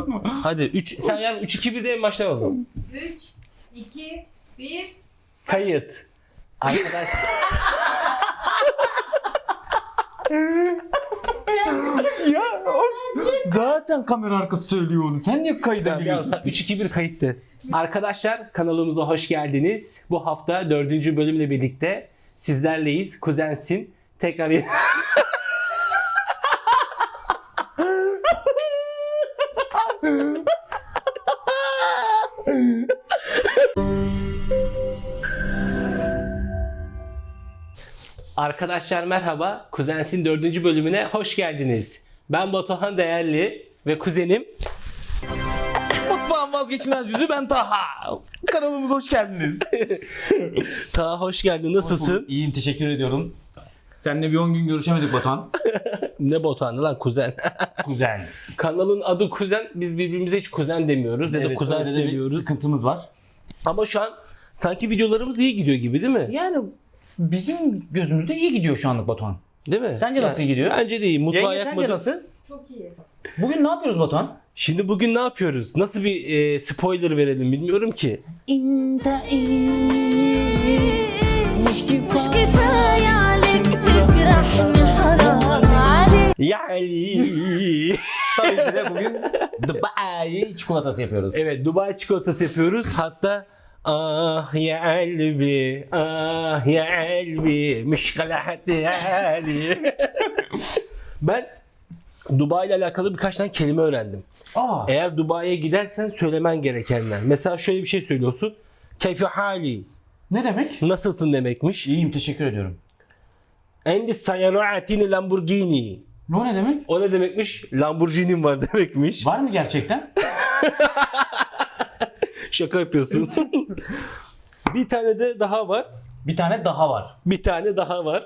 bakma. Hadi 3 sen yani 3 2 1'de en baştan alalım. 3, 2, 1. Kayıt. Arkadaş Ya zaten kamera arkası söylüyor onu. Sen niye kayda ya giriyorsun? 3 2 1 kayıttı. Arkadaşlar kanalımıza hoş geldiniz. Bu hafta 4. bölümle birlikte sizlerleyiz. Kuzensin. Tekrar Arkadaşlar merhaba. Kuzensin 4. bölümüne hoş geldiniz. Ben Batuhan Değerli ve kuzenim Mutfağın vazgeçilmez yüzü ben Taha. Kanalımıza hoş geldiniz. Taha hoş geldin. Nasılsın? İyiyim, teşekkür ediyorum. Seninle bir 10 gün görüşemedik Batuhan. Ne Batuhan'ı lan kuzen. Kuzen. Kanalın adı kuzen. Biz birbirimize hiç kuzen demiyoruz. Ya da kuzen öyle de bir demiyoruz. sıkıntımız var. Ama şu an sanki videolarımız iyi gidiyor gibi değil mi? Yani bizim gözümüzde iyi gidiyor şu anlık Batuhan. Değil mi? Sence nasıl gidiyor? Bence de iyi. Mutfağa Yenge sence yakmadım. nasıl? Çok iyi. Bugün ne yapıyoruz Batuhan? Şimdi bugün ne yapıyoruz? Nasıl bir spoiler verelim bilmiyorum ki. مش كفاية عليك تجرحني حرام عليك. Yani. Tabii ki de bugün Dubai çikolatası yapıyoruz. Evet, Dubai çikolatası yapıyoruz. Hatta ah ya kalbi, ah ya kalbi, müşkalahat hali. Ben Dubai ile alakalı birkaç tane kelime öğrendim. Aa. Eğer Dubai'ye gidersen söylemen gerekenler. Mesela şöyle bir şey söylüyorsun. Keyfi hali. Ne demek? Nasılsın demekmiş. İyiyim, teşekkür ediyorum. Endi sayaruatini Lamborghini. O ne demek? O ne demekmiş? Lamborghini'm var demekmiş. Var mı gerçekten? Şaka yapıyorsun. Bir tane de daha var. Bir tane daha var. Bir tane daha var.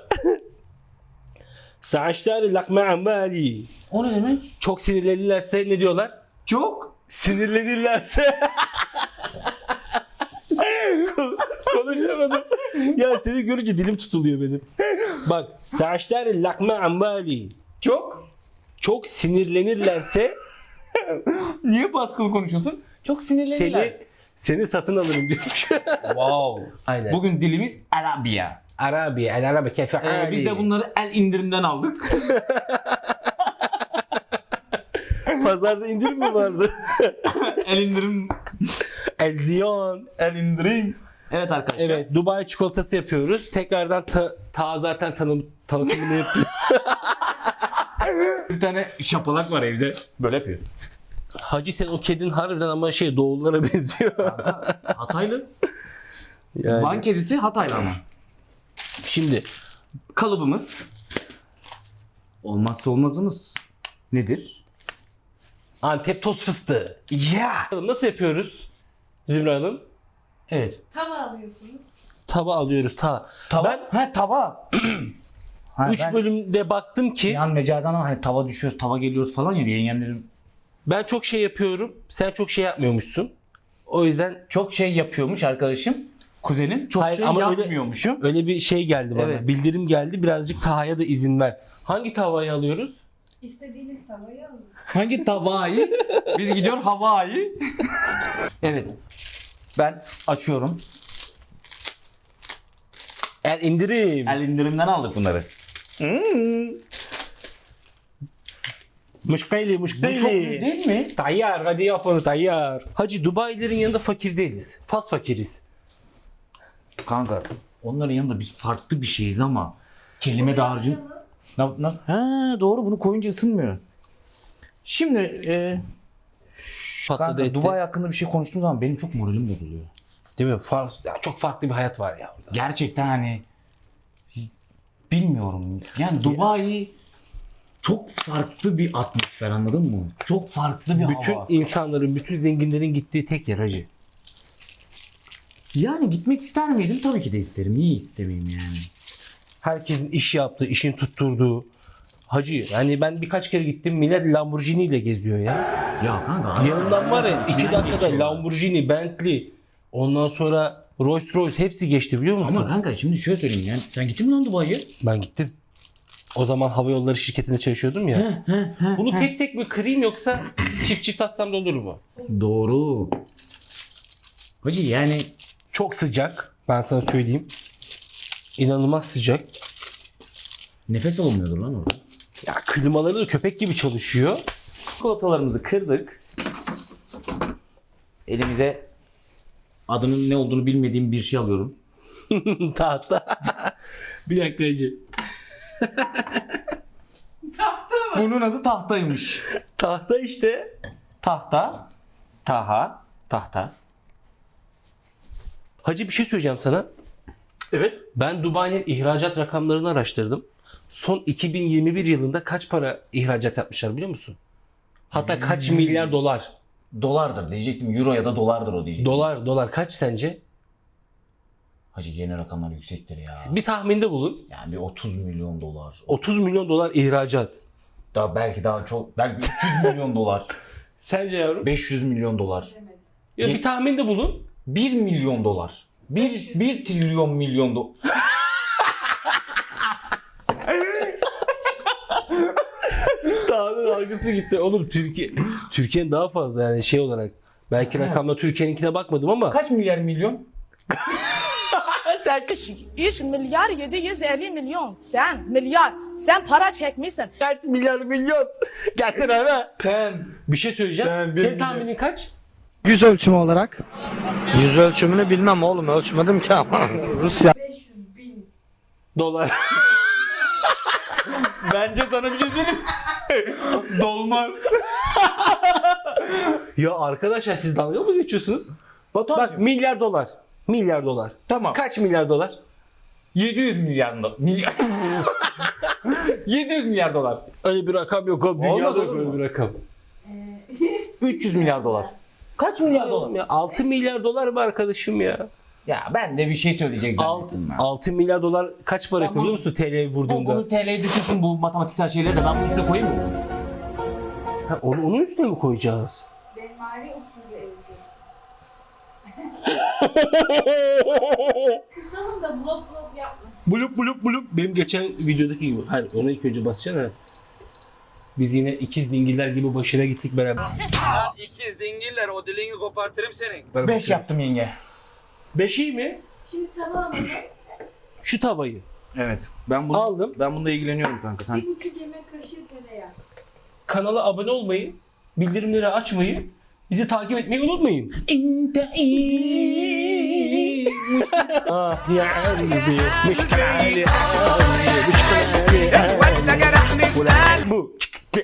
Saçlar lakma amali. O ne demek? Çok sinirlenirlerse ne diyorlar? Çok. Sinirlenirlerse. Konuşamadım. Ya seni görünce dilim tutuluyor benim. Bak. Saçlar lakma amali. Çok. Çok sinirlenirlerse Niye baskılı konuşuyorsun? Çok sinirlenirler. seni satın alırım diyor. Wow. Aynen. Bugün dilimiz Arabiya. Arabi, el arabi keyfe ali. Biz de bunları el indirimden aldık. Pazarda indirim mi vardı? El indirim. El ziyon. El indirim. Evet arkadaşlar. Evet, Dubai çikolatası yapıyoruz. Tekrardan ta zaten tanıtımını yapıyor. Bir tane şapalak var evde. Böyle yapıyor. Hacı sen o kedin harbiden ama Doğullara benziyor. Hataylı. Yani. Van kedisi Hataylı ama. Şimdi Kalıbımız. Olmazsa olmazımız. Nedir? Antep toz fıstığı. Yeah. Nasıl yapıyoruz Zümra Hanım? Evet. Tava alıyorsunuz. Tava alıyoruz ta. Tava. Ben Tava. 3 bölümde baktım ki Yani mecazan ama hani tava düşüyoruz, tava geliyoruz falan ya yengemlerim. ben çok şey yapıyorum. Sen çok şey yapmıyormuşsun. O yüzden Çok şey yapıyormuş arkadaşım. Kuzenim çok Hayır, şey ama yapmıyormuşum. öyle bir şey geldi bana. Evet. Bildirim geldi. Birazcık Taha'ya da izin ver. Hangi tavayı alıyoruz? İstediğiniz tavayı alın. Hangi tavayı? Biz gidiyor Hawaii. Evet. Ben açıyorum. El indirim. El indirimden aldık bunları. Muşkayli, Bu çok büyük değil mi? Tayyar, hadi yap onu tayyar. Hacı Dubai'lerin yanında fakir değiliz. Fas fakiriz. Kanka onların yanında biz farklı bir şeyiz ama kelime dağarcığın. Nasıl? Ha doğru, bunu koyunca ısınmıyor. Şimdi Patladı kanka, etti. Dubai hakkında bir şey konuştuğum zaman benim çok moralim bozuluyor. Değil mi? Çok farklı bir hayat var ya orada. Gerçekten hani bilmiyorum. Yani Dubai çok farklı bir atmosfer, anladın mı? Çok farklı bir Bütün hava. insanların, bütün zenginlerin gittiği tek yer hacı. Yani gitmek ister miydim? Tabii ki de isterim. Niye istemeyeyim yani? Herkesin iş yaptığı, işin tutturduğu. Hacı yani ben birkaç kere gittim, millet Lamborghini ile geziyor ya. Ya kanka. Yanından var ya 2 dakikada Lamborghini, Bentley, ondan sonra Rolls Royce hepsi geçti biliyor musun? Ama kanka şimdi şöyle söyleyeyim yani. Sen gittin mi lan Dubai'ye? Ben gittim. O zaman hava yolları şirketinde çalışıyordum ya. Bunu tek tek mi kırayım yoksa çift çift atsam da olur mu? Doğru. Hacı yani Çok sıcak. Ben sana söyleyeyim. İnanılmaz sıcak. nefes alınmıyordur lan orada. Ya klimaları da köpek gibi çalışıyor. Çikolatalarımızı kırdık. Elimize adının ne olduğunu bilmediğim bir şey alıyorum. Tahta. Bir dakika Hacı. Bunun adı tahtaymış. Tahta işte. Tahta. Tahta. Hacı bir şey söyleyeceğim sana. Evet. Ben Dubai'nin ihracat rakamlarını araştırdım. Son 2021 yılında kaç para ihracat yapmışlar biliyor musun? Hatta kaç milyar dolar. Dolardır diyecektim. Euro ya da dolardır o diyecektim. Dolar kaç sence? Hacı yeni rakamlar yüksektir ya. Bir tahminde bulun. Yani bir 30 milyon dolar. 30 milyon dolar ihracat. Belki daha çok. Belki 300 milyon dolar. Sence yavrum? 500 milyon dolar. Bilemedim. Ya bir tahminde bulun. 1 milyon dolar. 1 trilyon milyon dolar. Tahmin algısı gitti. Oğlum Türkiye'nin daha fazla yani şey olarak. Belki rakamla Türkiye'ninkine bakmadım ama. Kaç milyar milyon? Sen İş milyar 750 milyon. Sen milyar. Sen para çekmişsin. kaç milyar milyon? Getir hemen. Sen. Bir şey söyleyeceğim. Senin tahminin kaç? Yüz ölçümü olarak. Yüz ölçümünü bilmem oğlum, ölçmedim ki ama. Rusya. 500 bin. Dolar. Bence sana bir şey söyleyeyim. Dolmaz. Ya arkadaşlar siz dalga mı geçiyorsunuz? Batuhan. Bak milyar dolar. Milyar dolar. Tamam. Kaç milyar dolar? 700 milyar dolar. 700 milyar dolar. Öyle bir rakam yok oğlum. Dünyada Olmaz, yok olur öyle mu? bir rakam. 300 milyar dolar. Kaç milyar dolar? Oğlum ya 6 milyar dolar mı arkadaşım ya? Ya ben de bir şey söyleyecek 6, zannettim ben. 6 milyar dolar kaç para yapıyor biliyor musun TL'ye vurduğunda? Bunu TL'ye düşünsün bu matematiksel şeyleri de ben bunun üstüne koyayım mı? Ha, onun üstüne mi koyacağız? Benmari usulü evde. Kısalım da blok yapmasın. Bulup. Benim geçen videodaki gibi. Hayır ona ilk önce basacaksın ha. Biz yine ikiz dingiller gibi başına gittik beraber. İkiz dingiller o dilini kopartırım senin. 5 yaptım yenge. 5 iyi mi? Şimdi tava alalım. Şu tavayı. Evet. Ben bunu Aldım. Ben bununla ilgileniyorum kanka. Sen 1,5 yemek kaşığı tereyağı. Kanala abone olmayı, bildirimleri açmayı, bizi takip etmeyi unutmayın. Ah ya kalbi, müşkil ali Bu.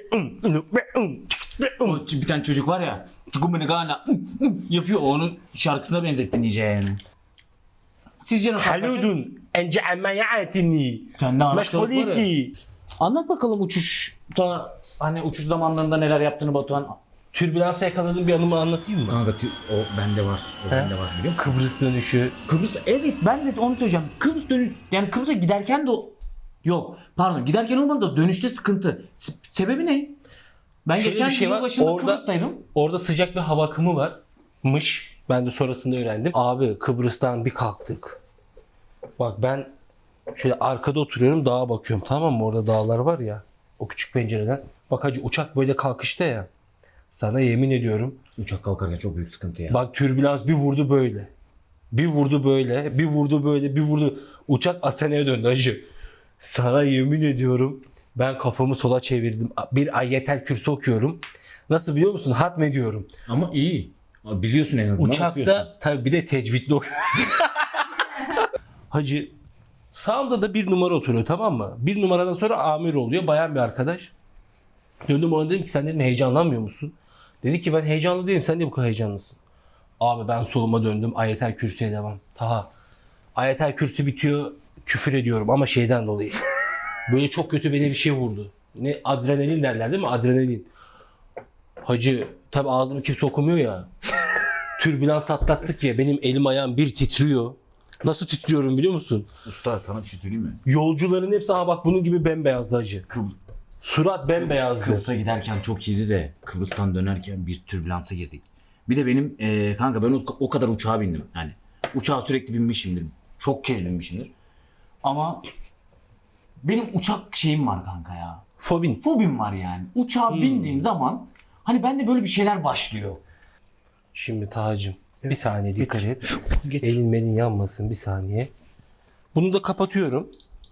bir tane çocuk var ya. Çukumenegana yapıyor. Onun şarkısına benzettin iyice yani. Sizce nasıl? Haludun ence amayatini. Sende anahtarlık var ya. Meşguliki. Anlat bakalım uçuşta hani uçuş zamanlarında neler yaptığını Batuhan. Türbülansa yakaladığım bir anımı anlatayım mı? Kanka o bende var. O He? bende var biliyor musun? Kıbrıs dönüşü. Kıbrıs evet ben de onu söyleyeceğim. Kıbrıs yani Kıbrıs'a giderken de yok. Pardon giderken olmadı da dönüşte sıkıntı. Sebebi ne? Ben Şöyle geçen bir şey var, yılbaşında orada- Kıbrıs'taydım. Orada sıcak bir hava akımı varmış. Ben de sonrasında öğrendim. Abi Kıbrıs'tan bir kalktık. Bak ben şöyle arkada oturuyorum dağa bakıyorum tamam mı? Orada dağlar var ya. O küçük pencereden. Bak hacı uçak böyle kalkışta ya. Sana yemin ediyorum. Uçak kalkarken çok büyük sıkıntı ya. Bak türbülans bir vurdu böyle. Bir vurdu böyle. Bir vurdu böyle. Bir vurdu. Uçak Asena'ya döndü hacı. Sana yemin ediyorum. Ben kafamı sola çevirdim. Bir ayetel kürsü okuyorum. Nasıl biliyor musun? Hatmediyorum. Ama iyi. Biliyorsun en azından. okuyorsun. Uçakta tabii bir de tecvidli okuyorum. Hacı sağımda da bir numara oturuyor tamam mı? Bir numaradan sonra amir oluyor. Bayan bir arkadaş. Döndüm ona dedim ki sen dedim heyecanlanmıyor musun? Dedi ki ben heyecanlı değilim. Sen de bu kadar heyecanlısın. Abi ben soluma döndüm. Ayetel kürsüye devam. Taha. Ayetel kürsü bitiyor. Küfür ediyorum ama şeyden dolayı. Böyle çok kötü beni bir şey vurdu. Ne adrenalin derler değil mi? Adrenalin. Hacı tabi ağzımı kimse okumuyor ya. Türbülans atlattık ya benim elim ayağım bir titriyor. Nasıl titriyorum biliyor musun? Usta sana bir şey söyleyeyim mi? Yolcuların hepsi aha bak bunun gibi bembeyazdı hacı. Surat bembeyazdı. Kıbrıs'a giderken çok iyiydi de Kıbrıs'tan dönerken bir türbülansa girdik. Bir de benim kanka ben o kadar uçağa bindim. Yani uçağa sürekli binmişimdir. Çok kez binmişimdir. Ama Benim uçak şeyim var kanka ya. Fobin. Fobim var yani. Uçağa bindiğim zaman hani bende böyle bir şeyler başlıyor. Şimdi Tacım bir saniye dikkat et. Getir. Elin melin yanmasın bir saniye. Bunu da kapatıyorum.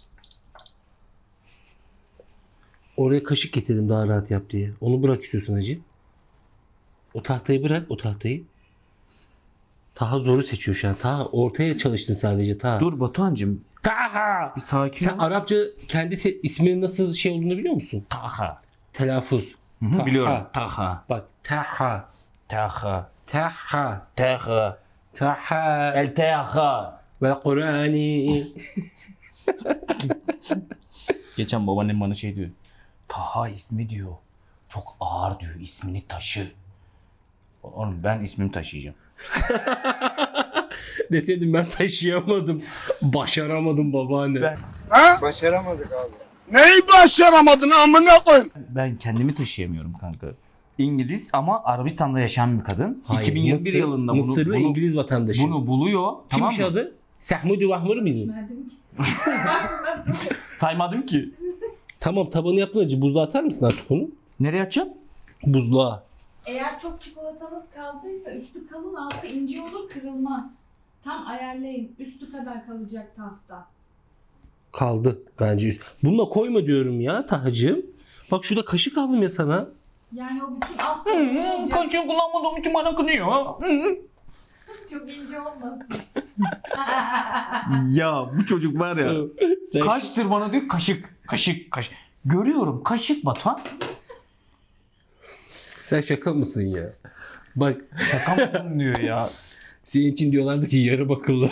Oraya kaşık getirdim daha rahat yap diye. Onu bırak istiyorsan hacı. O tahtayı bırak, o tahtayı. Taha zoru seçiyor şu an. Taha ortaya çalıştın sadece Taha. Dur Batuhan'cığım Taha! bir sakin Sen ol. Arapça kendi isminin nasıl şey olduğunu biliyor musun? Taha. Telaffuz. Hı, biliyorum. Taha. Bak Taha. Taha. Taha. Taha. Taha. El Taha. Ve Kur'ani. Geçen babaannem bana şey diyor. Taha ismi diyor. Çok ağır diyor. İsmini taşı. Oğlum ben ismimi taşıyacağım. Deseydim ben taşıyamadım. Başaramadım babaanne. Neyi başaramadın amına koyayım? Ben kendimi taşıyamıyorum kanka. İngiliz ama Arabistan'da yaşayan bir kadın. Hayır, 2021 yılında Mısırlı İngiliz vatandaşı. bunu buluyor. Tamam Kimmiş mı? adı? Sahmudi Vahmur muydu? Verdim ki. Saymadım ki. Tamam tabanı yaptın acı. Buzluğa atar mısın artık onu? Nereye atacağım? Buzluğa. Eğer çok çikolatanız kaldıysa üstü kalın altı ince olur kırılmaz. Tam ayarlayın. Üstü kadar kalacak tasta. Kaldı bence üst. Bununla koyma diyorum ya Tahacığım. Bak şurada kaşık aldım ya sana. Yani o bütün alt tarafı olacak. Kaşığı kullanmadığım için bana kınıyor. Çok ince olmasın. Ya bu çocuk var ya. Sen Kaştır bana diyor kaşık. Kaşık. Görüyorum kaşık Batuhan. Sen şaka mısın ya? Bak Şaka mısın diyor ya. senin için diyorlardı ki yarı bakıllı.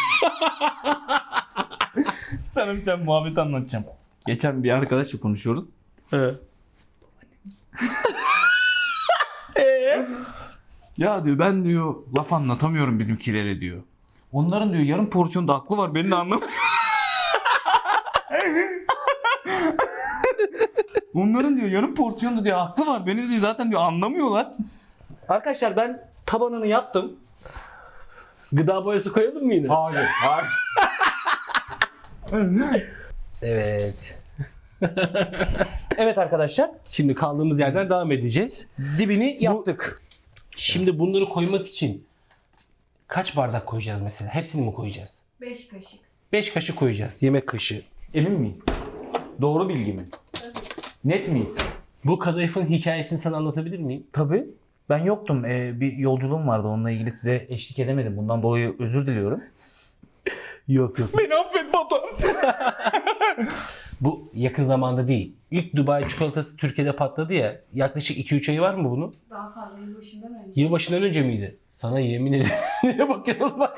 Sana bir tane muhabbet anlatacağım. Geçen bir arkadaşla konuşuyoruz. Ya diyor ben diyor laf anlatamıyorum bizimkilere diyor. Onların diyor yarım porsiyonda aklı var beni de anlamıyor. Onların diyor yarım porsiyonda diyor aklı var beni diyor zaten diyor anlamıyorlar. Arkadaşlar ben tabanını yaptım. Gıda boyası koyalım mı yine? Hayır. Evet. Evet arkadaşlar Şimdi kaldığımız yerden devam edeceğiz. dibini yaptık. Şimdi bunları koymak için kaç bardak koyacağız mesela? Hepsini mi koyacağız? 5 kaşık. 5 kaşık koyacağız. Yemek kaşığı. Emin miyiz? Doğru bilgi mi? Net miyiz? Bu kadayıfın hikayesini sana anlatabilir miyim? Tabii. Ben yoktum. Bir yolculuğum vardı. Onunla ilgili size eşlik edemedim. Bundan dolayı özür diliyorum. Yok. Beni affet baba. Bu yakın zamanda değil. İlk Dubai çikolatası Türkiye'de patladı ya. Yaklaşık 2-3 ayı var mı bunun? Daha fazla yılbaşından önce. Yılbaşından önce miydi? Sana yemin ederim. Neye bakıyorsun bak.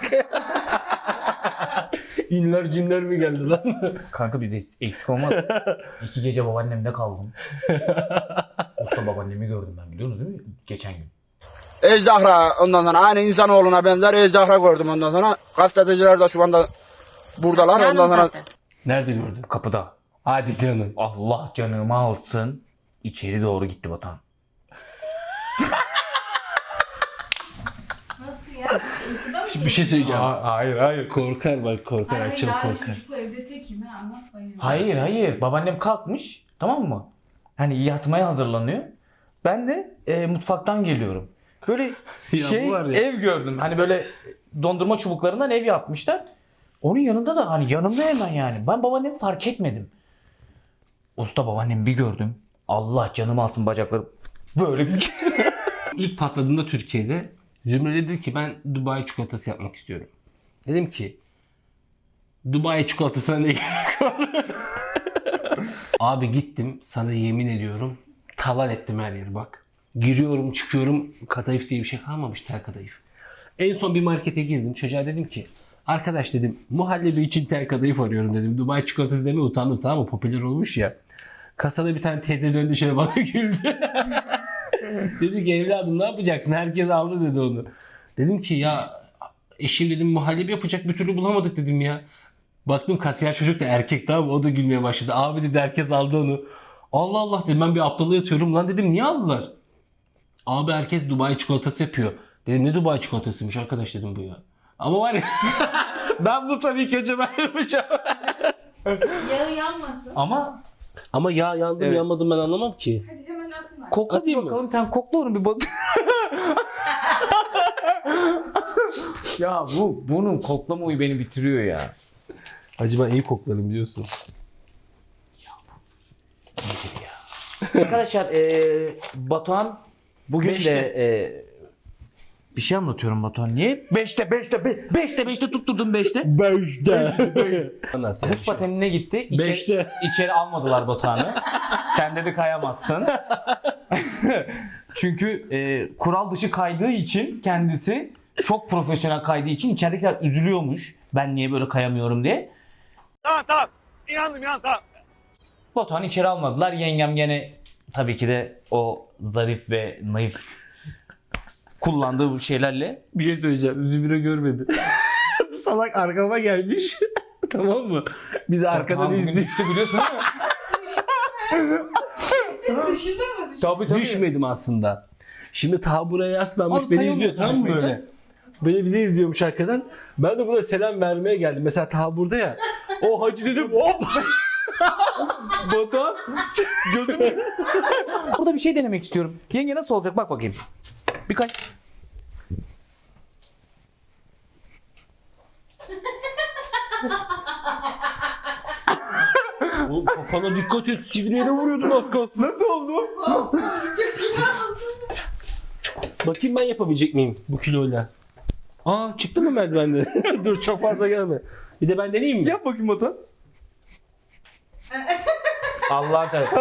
İnler cinler mi geldi lan? Kanka bizde eksik olmadı. 2 gece babaannemde kaldım. Usta babaannemi gördüm ben biliyorsunuz değil mi? Geçen gün. Ejderha ondan sonra aynı insanoğluna benzer ejderha gördüm ondan sonra. Gazeteciler de şu anda buradalar ondan sonra. Nerede gördün? Kapıda. Hadi canım. Allah canımı alsın. İçeri doğru gitti Batuhan. Nasıl ya? Uykuda mı? Bir şey söyleyeceğim. Hayır. Korkar bak korkar. Hayır, Akşam yarın korkar. çocukla evde tekim ha anlatmayın. Hayır. Babaannem kalkmış. Tamam mı? Hani yatmaya hazırlanıyor. Ben de mutfaktan geliyorum. Böyle Ya bu var ya. ev gördüm. Hani böyle dondurma çubuklarından ev yapmışlar. Onun yanında da hani yanımda hemen yani. Ben babaannemi fark etmedim. Usta babaannemi bir gördüm. Allah canımı alsın bacaklarım. Böyle bir İlk patladığında Türkiye'de Zümre dedi ki ben Dubai çikolatası yapmak istiyorum. Dedim ki Dubai çikolatasına ne gerek var? Abi gittim sana yemin ediyorum talan ettim her yeri bak. Giriyorum çıkıyorum kadayıf diye bir şey kalmamış tel kadayıf. En son bir markete girdim çocuğa dedim ki arkadaş dedim muhallebi için tel kadayıf arıyorum dedim. Dubai çikolatası demeye utandım tamam mı popüler olmuş ya. Kasada bir tane teyze döndü şöyle bana güldü. Dedi ki evladım ne yapacaksın? Herkes aldı dedi onu. Dedim ki ya eşim dedim muhallebi yapacak bir türlü bulamadık dedim ya. Baktım kasiyer çocuk da erkek tamam mı? O da gülmeye başladı. Abi dedi herkes aldı onu. Allah Allah dedim ben bir aptala yatıyorum. Lan dedim niye aldılar? Abi herkes Dubai çikolatası yapıyor. Dedim ne Dubai çikolatasıymış arkadaş dedim bu ya. Ama var ya ben bu ilk önce ben yapacağım. Yağı yanmasın. Ama yağ yandı mı Evet. yanmadı mı ben anlamam ki. Hadi hemen atın artık. kokla Atayım mı? bakalım, sen kokla onu bir bak. Ya bunun koklama huyu beni bitiriyor ya. Hacı ben iyi koklarım biliyorsun. Arkadaşlar Batuhan bugün Beşte. de bir şey anlatıyorum Batuhan. Niye? 5'te tutturdum 5'te. 5'te. Anlat ya. Buz patenine gitti. Beşte. İçeri almadılar Batuhan'ı. Sen dedi kayamazsın. Çünkü kural dışı kaydığı için kendisi çok profesyonel kaydığı için içeridekiler üzülüyormuş. Ben niye böyle kayamıyorum diye. Tamam. İnandım tamam. Batuhan'ı içeri almadılar. Yengem gene tabii ki de o zarif ve naif kullandığı bu şeylerle. Bir şey söyleyeceğim. Zümrüt görmedi. Bu salak arkama gelmiş. Tamam mı? Biz arkadan Batuhan bugün izliyoruz. düştü biliyorsun değil mi? Dışında mı düştü? Tabii. Düşmedim aslında. Şimdi ta buraya yaslanmış Abi beni sayılmıyor izliyor tamam mı düşmeyi böyle? Böyle bize izliyormuş arkadan. Ben de buna selam vermeye geldim. Mesela ta burada ya. O hacı dedim hop. Batuhan gözüm. Burada bir şey denemek istiyorum. Yenge nasıl olacak bak bakayım. Bir kay. Oğlum kafana dikkat et. Sivriye vuruyordun az kalsın. Nasıl oldu? Çok iyi oldu. Bakayım ben yapabilecek miyim bu kiloyla? Aa çıktı mı merdivende? Dur çok fazla gelme. Bir de ben deneyeyim mi? Yap bakayım Batuhan. Allah'ın seversen.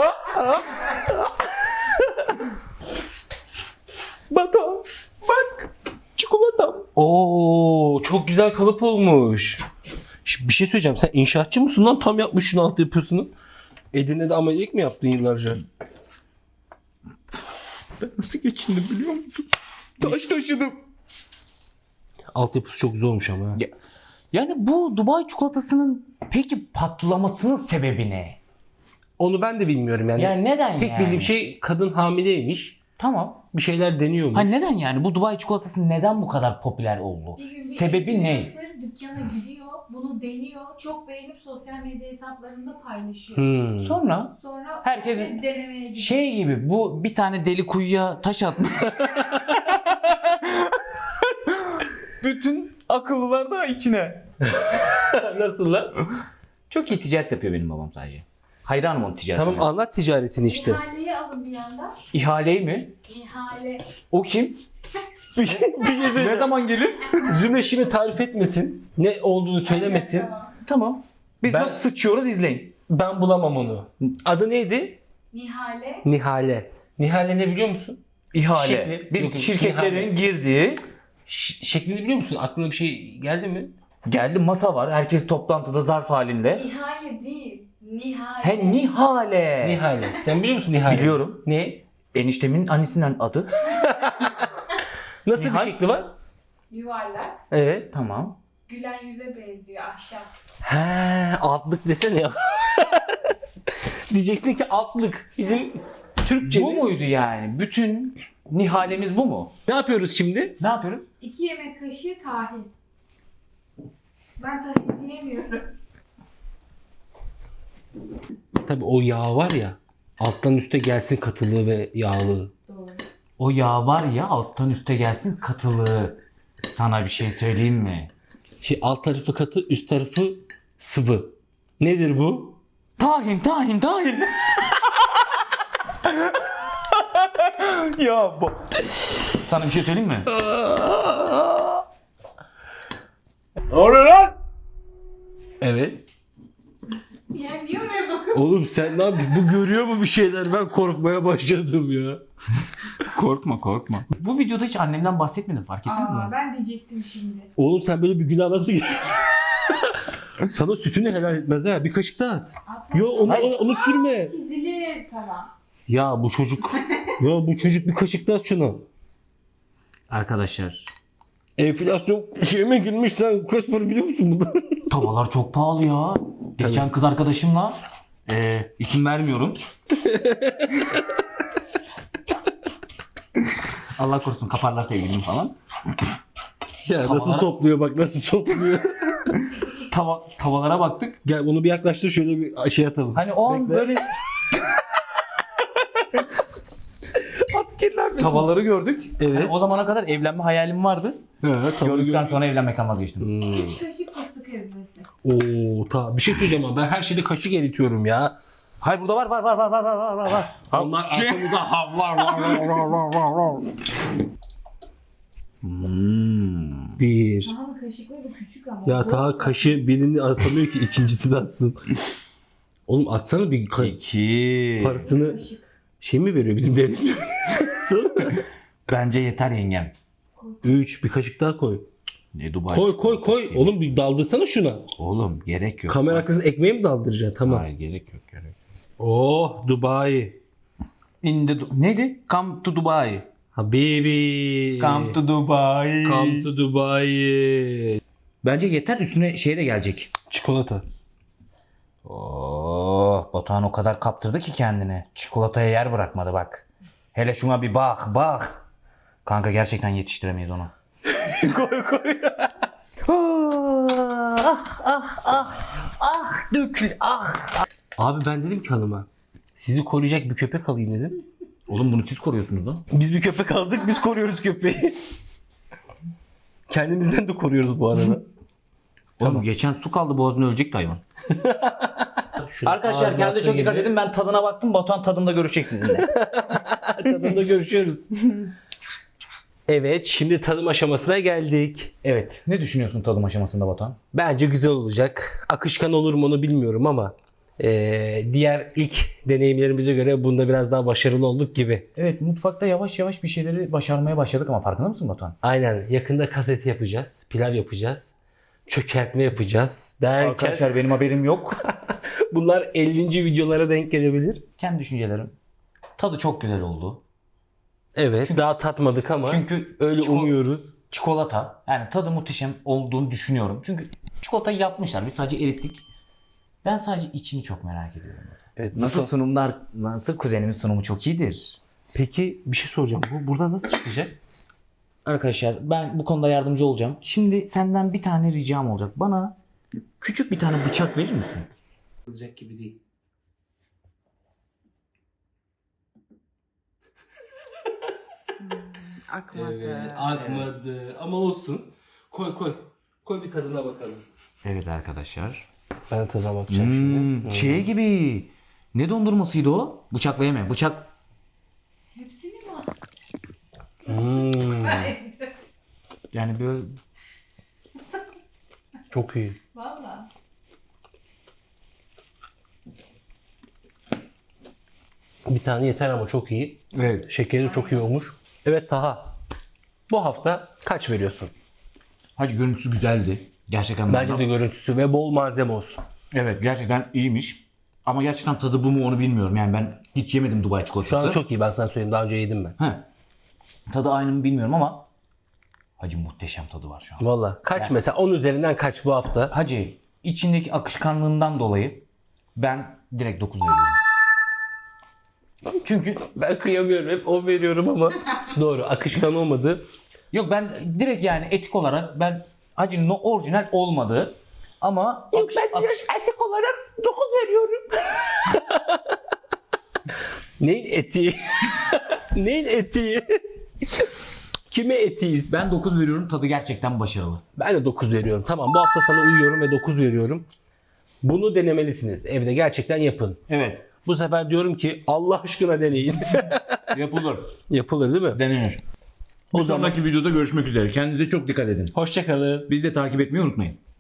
Batuhan bak çikolatam. Oo çok güzel kalıp olmuş. Şimdi bir şey söyleyeceğim. Sen inşaatçı mısın lan? Tam yapmışsın alt yapısını. Edirne'de amelilik mi yaptın yıllarca? Ben nasıl geçindim biliyor musun? Taş taşıdım. Altyapısı çok güzel olmuş ama. ha. Yani bu Dubai çikolatasının peki patlamasının sebebi ne? Onu ben de bilmiyorum yani. Yani neden Tek yani? bildiğim şey kadın hamileymiş. Tamam. Bir şeyler deniyormuş. Hani neden yani? Bu Dubai çikolatası neden bu kadar popüler oldu? Bir gün bir Sebebi ne? influencer dükkana gidiyor, bunu deniyor, çok beğenip sosyal medya hesaplarında paylaşıyor. Hmm. Sonra Sonra Herkes- denemeye gidiyor. şey gibi bu bir tane deli kuyuya taş atmış. Bütün akıllılar da içine. Nasıl lan? Çok iyi ticaret yapıyor benim babam sadece. Hayranım onun ticaretine. Tamam anlat ticaretini işte. İhaleyi alın bir yandan. İhaleyi mi? İhale. O kim? bir şey Ne zaman gelir? Zümre şimdi tarif etmesin. Ne olduğunu söylemesin. Evet, tamam. Tamam. Biz Ben- nasıl sıçıyoruz izleyin. Ben bulamam onu. Adı neydi? Nihale. Nihale. Nihale ne biliyor musun? İhale. Şekli. Biz Yok, şirketlerin ihale. girdiği Şeklini biliyor musun? Aklına bir şey geldi mi? geldi masa var. Herkes toplantıda zarf halinde. İhale değil. Nihale. He Nihale. Nihale. Sen biliyor musun Nihale? Biliyorum. Ne? Eniştemin annesinin adı. Nasıl Nihal? bir şekli var? Yuvarlak. Evet tamam. Gülen yüze benziyor ahşap. He, altlık desene ya. Diyeceksin ki altlık. Bizim Türkçemiz. Bu muydu yani? Bütün Nihalemiz bu mu? Ne yapıyoruz şimdi? Ne yapıyoruz? 2 yemek kaşığı tahin. Ben tahin diyemiyorum. Tabii o yağ var ya. Alttan üste gelsin katılığı ve yağlığı. Doğru. O yağ var ya alttan üste gelsin katılığı. Sana bir şey söyleyeyim mi? Alt tarafı katı, üst tarafı sıvı. Nedir bu? Tahin. Ya bu. Sana bir şey söyleyeyim mi? Ne oluyor lan? Evet. Yani niye oraya bakıyorum? Oğlum sen ne yapıyorsun? Bu görüyor mu bir şeyler? Ben korkmaya başladım ya. Korkma. Bu videoda hiç annemden bahsetmedim fark ettiniz mi? Ben diyecektim şimdi. Oğlum sen böyle bir günah nasıl giriyorsun? Sana sütünü helal etmez ha. Bir kaşık daha at. Yo onu sürme. Çizilir. Tamam. Ya bu çocuk bir kaşık daha at şunu. Arkadaşlar Enflasyon şeyime girmiş sen kaç para biliyor musun bundan? tavalar çok pahalı ya. Geçen kız arkadaşımla isim vermiyorum. Allah korusun kaparlar sevgilim falan. Ya nasıl Tavalara- topluyor bak nasıl topluyor. Tavalara baktık. Gel bunu bir yaklaştır, şöyle bir şey atalım. Hani o an Bekle. böyle At kirlenmesin. tavaları gördük. Evet. Hani o zamana kadar evlenme hayalim vardı. Evet, Gördükten sonra evlenmekten vazgeçtim. 3 kaşık fıstık ezmesi. Oo, bir şey söyleyeceğim ama ben her şeyde kaşık eritiyorum ya. Hayır burada var. Onlar arkamızda var. Bir. Daha kaşıkları küçük ama. Ya ta kaşı birini atamıyor ki ikincisini atsın. Oğlum atsana bir İki. parasını şey mi veriyor bizim devlet? Bence yeter yengem. 3 bir kaşık daha koy. Ne Dubai? Koy. Oğlum bir daldırsana şuna. Oğlum gerek yok. Kamera arkasında ekmeği mi daldıracaksın? Tamam. Hayır gerek yok. Oh Dubai. Neydi? Come to Dubai. Habibi. Come to Dubai. Come to Dubai. Bence yeter, üstüne şey de gelecek. Çikolata. Batuhan o kadar kaptırdı ki kendini. Çikolataya yer bırakmadı bak. Hele şuna bir bak. Kanka gerçekten yetiştiremeyiz onu. koy. Dökül. Abi ben dedim ki hanıma, sizi koruyacak bir köpek alayım dedim. Oğlum bunu siz koruyorsunuz lan. Biz bir köpek aldık, biz koruyoruz köpeği. Kendimizden de koruyoruz bu arada. Oğlum geçen su kaldı boğazına, ölecekti hayvan. Şunu Arkadaşlar ağzına kendinize çok attığı dikkat gibi. edin. Ben tadına baktım. Batuhan tadında görüşecek sizinle. Tadında görüşüyoruz. Evet, şimdi tadım aşamasına geldik. Evet. Ne düşünüyorsun tadım aşamasında Batuhan? Bence güzel olacak. Akışkan olur mu onu bilmiyorum ama diğer ilk deneyimlerimize göre bunda biraz daha başarılı olduk gibi. Evet, mutfakta yavaş yavaş bir şeyleri başarmaya başladık ama farkında mısın Batuhan? Aynen, yakında kaseti yapacağız, pilav yapacağız, çökertme yapacağız derken Arkadaşlar benim haberim yok. bunlar 50. videolara denk gelebilir. Kendi düşüncelerim. Tadı çok güzel oldu. Evet, daha tatmadık ama Çünkü öyle umuyoruz. çikolata, yani tadı muhteşem olduğunu düşünüyorum. Çünkü çikolatayı yapmışlar. Biz sadece erittik. Ben sadece içini çok merak ediyorum. Evet, Nasıl sunumlar, nasıl kuzenimin sunumu çok iyidir. Peki bir şey soracağım. Bu burada nasıl çıkacak? Arkadaşlar ben bu konuda yardımcı olacağım. Şimdi senden bir tane ricam olacak. Bana küçük bir tane bıçak verir misin? Olacak gibi değil. Akmadı. Evet, akmadı ama olsun. Koy bir tadına bakalım. Evet arkadaşlar. Ben tadına bakacağım şimdi. Şey gibi. Ne dondurmasıydı o? Bıçakla yeme. Bıçak. Hepsini mi? Yani böyle Çok iyi. Valla. Bir tane yeter ama çok iyi. evet. Şekeri çok iyi olmuş. Evet Taha. Bu hafta kaç veriyorsun? Hacı görüntüsü güzeldi. Gerçekten Bence de görüntüsü ve bol malzeme olsun. evet, gerçekten iyiymiş. Ama gerçekten tadı bu mu onu bilmiyorum. Yani ben hiç yemedim Dubai çikolatası. Şu an çok iyi, ben sana söyleyeyim, daha önce yedim ben. He. Tadı aynı mı bilmiyorum ama hacı muhteşem tadı var şu an. Valla kaç mesela 10 üzerinden kaç bu hafta? Hacı içindeki akışkanlığından dolayı ben direkt 9 veriyorum. Çünkü Ben kıyamıyorum, hep 10 veriyorum ama doğru, akışkan olmadı. yok, ben direkt yani etik olarak ben hacı orijinal olmadı ama etik olarak 9 veriyorum. Neyin etiği? Neyin etiği? Kime etiyiz? ben 9 veriyorum, tadı gerçekten başarılı. Ben de 9 veriyorum. Tamam, bu hafta sana uyuyorum ve 9 veriyorum. Bunu denemelisiniz. Evde gerçekten yapın. Evet. Bu sefer diyorum ki Allah aşkına deneyin. Yapılır. Yapılır değil mi? Denenir. O Bir zaman sonraki videoda görüşmek üzere. Kendinize çok dikkat edin. hoşça kalın. Bizi de takip etmeyi unutmayın.